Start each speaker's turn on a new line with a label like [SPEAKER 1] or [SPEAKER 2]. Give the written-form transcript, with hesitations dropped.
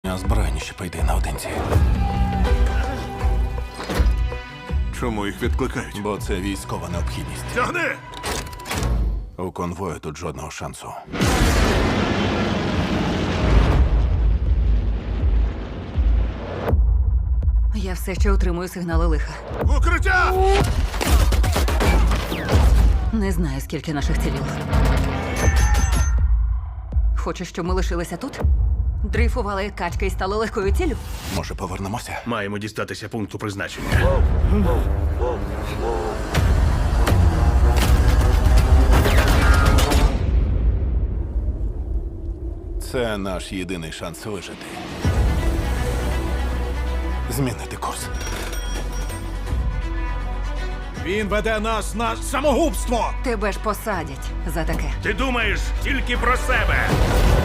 [SPEAKER 1] Озброєніші пойди наодинці.
[SPEAKER 2] Чому їх відкликають?
[SPEAKER 1] Бо це військова необхідність.
[SPEAKER 2] Тягни!
[SPEAKER 1] У конвою тут жодного шансу.
[SPEAKER 3] Я все ще отримую сигнали лиха.
[SPEAKER 2] В укриття!
[SPEAKER 3] Не знаю, скільки наших цілів. Хочеш, щоб ми лишилися тут? Дрейфували як качки і стали легкою ціллю?
[SPEAKER 1] Може, повернемося?
[SPEAKER 2] Маємо дістатися пункту призначення.
[SPEAKER 1] Це наш єдиний шанс вижити. Змінити курс.
[SPEAKER 2] Він веде нас на самогубство!
[SPEAKER 3] Тебе ж посадять за таке.
[SPEAKER 2] Ти думаєш тільки про себе!